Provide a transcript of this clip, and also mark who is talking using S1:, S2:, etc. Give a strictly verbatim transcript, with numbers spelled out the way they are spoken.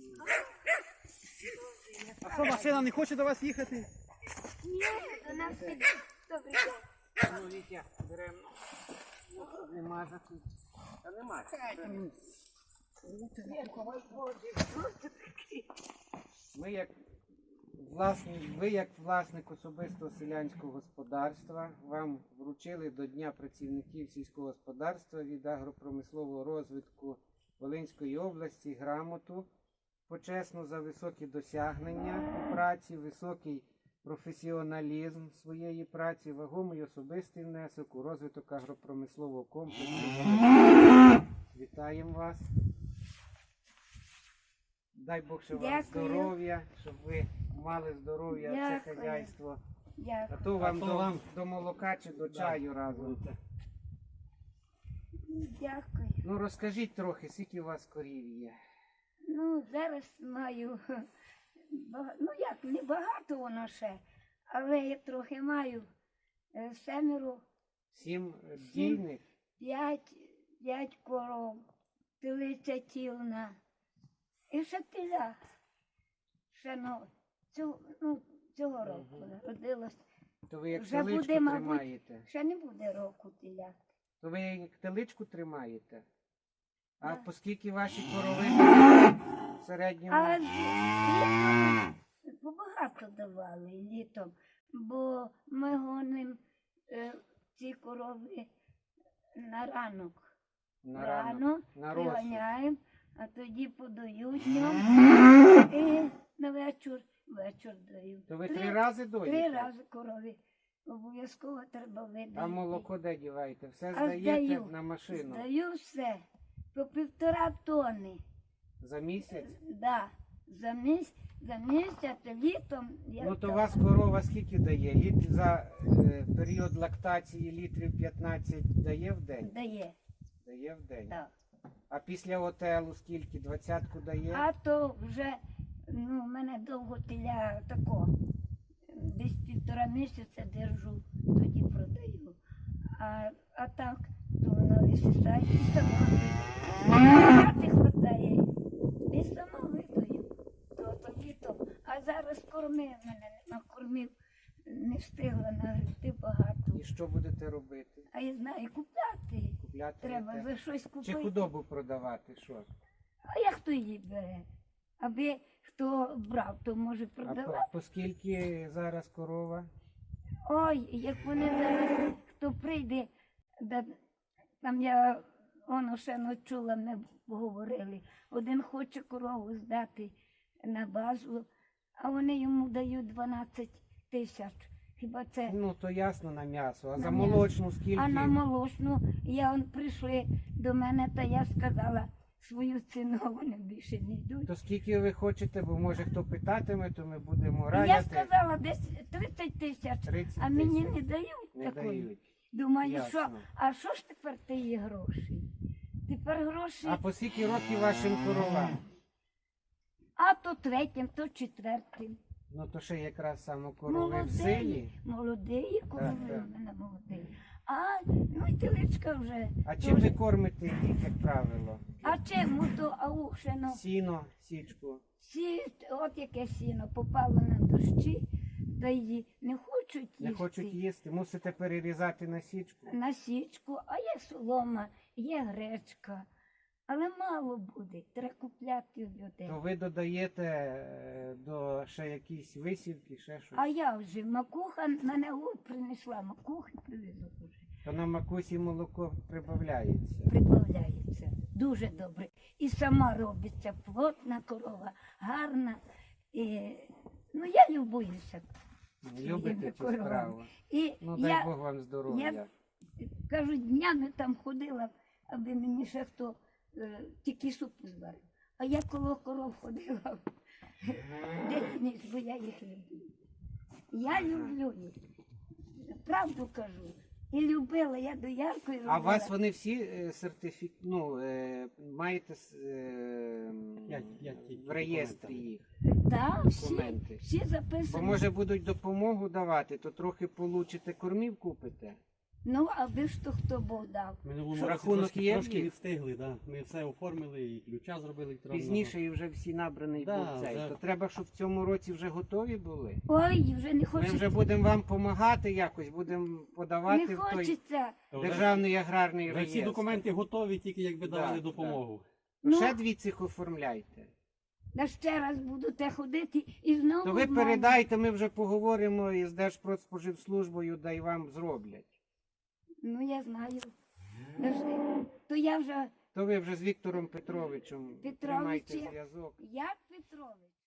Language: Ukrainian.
S1: А що, машина не хоче до вас їхати?
S2: Ні, до нас піде. Добрий день.
S3: Ну, Вітя, беремо. Нема за тут. Та нема. Ми як власник, ви як власник особистого селянського господарства вам вручили до Дня працівників сільського господарства від агропромислового розвитку Волинської області грамоту почесну за високі досягнення у праці, високий професіоналізм своєї праці, вагомий особистий внесок у розвиток агропромислового комплексу. Вітаємо вас. Дай Бог, щоб вам
S2: Дякую.
S3: здоров'я, щоб ви мали здоров'я, це
S2: Дякую.
S3: хазяйство. А
S2: Дякую.
S3: то вам,
S1: А то
S3: до,
S1: вам.
S3: до молока чи до чаю разом.
S2: Дякую.
S3: Ну розкажіть трохи, скільки у вас корів є?
S2: Ну, зараз маю, бага- ну як, не багато воно ще, але я трохи маю е, семеро,
S3: Сім е,
S2: Сім.
S3: дійних?
S2: п'ять, п'ять коров, телиця тілна. І ще теля. Ще ну, цю, ну, цього року народилась.
S3: То ви як
S2: Вже
S3: теличку
S2: буде, мабуть,
S3: тримаєте?
S2: Ще не буде року теля.
S3: То ви як теличку тримаєте? А
S2: Да.
S3: по скільки ваші корови в середньому?
S2: А з- літом побагато давали літом, бо ми гонимо е, ці корови на ранок.
S3: На
S2: Рано
S3: ранок? На розсуд?
S2: приганяємо, а тоді подають днем і на вечір, вечір дають.
S3: То ви три рази доїте?
S2: Три рази корові. Обов'язково треба видати.
S3: А молоко де діваєте? Все
S2: А
S3: здаєте
S2: здаю.
S3: на машину?
S2: Здаю все. По півтора тонни.
S3: За місяць?
S2: Да. За місяць, за місяць літом я
S3: Ну то
S2: так-
S3: у вас корова скільки дає? Літ за е, період лактації літрів п'ятнадцять дає в день?
S2: дає.
S3: Дає в день.
S2: Так.
S3: А після отелу скільки? Двадцятку дає?
S2: А то вже ну, в мене довго теля тако. Десь півтора місяця держу, тоді продаю. А, а так, то вона висисає і сама видаю. Хати хватає, і сама видаю. То, то літом. А зараз кормив мене, накормив, не встигла нагребти багато.
S3: І що будете робити?
S2: А я знаю, купляти.
S3: Купляти?
S2: Треба
S3: будете?
S2: за щось
S3: Чи
S2: купити.
S3: худобу продавати? Що?
S2: А як хто її бере? Аби хто брав, то може
S3: А по,
S2: продавати.
S3: по скільки зараз корова?
S2: Ой, як вони зараз, хто прийде, да, там я воно ще не чула, ми говорили. Один хоче корову здати на базу, а вони йому дають дванадцять тисяч. Хіба це?
S3: Ну то ясно на м'ясо. А
S2: На
S3: за
S2: м'ясо.
S3: молочну скільки?
S2: А на молочну, я он прийшли до мене, та я сказала свою ціну, вони більше не йдуть.
S3: То скільки ви хочете, бо може хто питатиме, то ми будемо
S2: Я
S3: раяти.
S2: сказала десь тридцять тисяч,
S3: тридцять
S2: а мені
S3: тисяч.
S2: не дають
S3: Не
S2: такої.
S3: дають.
S2: Думаю,
S3: Ясно.
S2: що, а що ж тепер тієї гроші? Тепер гроші,
S3: А по скільки років вашим коровам?
S2: а то третім, то четвертим.
S3: Ну то ще якраз саме корови в селі.
S2: Молодий, молодий, корови
S3: так.
S2: в мене молодий. А, ну і теличка вже.
S3: А
S2: теж.
S3: чим ви кормите їх, як правило?
S2: А чим то аушено?
S3: Сіно, січку.
S2: Всі, от яке сіно, попало на дощі, та її не хочуть їсти.
S3: Не хочуть їсти, мусите перерізати на січку.
S2: На січку, а є солома, є гречка. Але мало буде, треба купляти в людей.
S3: То ви додаєте е, до ще якісь висівки, ще щось.
S2: А я вже макуха мене от принесла, макухи привезу вже.
S3: То на макусі молоко прибавляється.
S2: Прибавляється. Дуже добре. І сама робиться плотна корова, гарна. І, ну я любуюся.
S3: Любите
S2: своїми
S3: цю
S2: коровами.
S3: справу?
S2: І
S3: Ну дай
S2: я,
S3: Бог вам здоров'я.
S2: я кажу, днями там ходила, аби мені ще хто е, тільки суп зварив. А я коло коров ходила день ніч, бо я їх люблю. Я люблю їх. Правду кажу. І любила, я дояркою робила.
S3: А у вас вони всі е, сертифік... ну, е, маєте с- е,
S1: Як- як ті
S3: в реєстрі їх
S2: Так, всі,
S3: документи?
S2: всі
S3: Бо
S2: записані.
S3: може будуть допомогу давати, то трохи получите кормів купите.
S2: Ну, аби ж то хто Бог дав.
S1: В минулому
S3: Що,
S1: році
S3: рахунок
S1: трошки,
S3: є?
S1: трошки не встигли, да. Ми все оформили, і ключа зробили електронного.
S3: Пізніше і вже всі набраний
S1: Да,
S3: був цей.
S1: вже.
S3: То треба, щоб в цьому році вже готові були.
S2: Ой, вже не
S3: Ми
S2: хочеться.
S3: вже будемо вам допомагати якось, будемо подавати
S2: Не
S3: в той
S2: хочеться.
S1: Та вже-
S3: державний аграрний
S1: Вже всі
S3: реєстр.
S1: документи готові, тільки якби
S3: Да,
S1: давали
S3: да.
S1: допомогу.
S2: Ну,
S3: Ще дві цих оформляйте.
S2: да ще раз будете ходити і знову.
S3: То ви
S2: в мене.
S3: передайте, ми вже поговоримо із Держпродспоживслужбою, да й вам зроблять.
S2: Ну, я знаю. Да ж- То я вже,
S3: То ви вже з Віктором Петровичем
S2: Петровичем.
S3: тримайте зв'язок.
S2: як Петрович,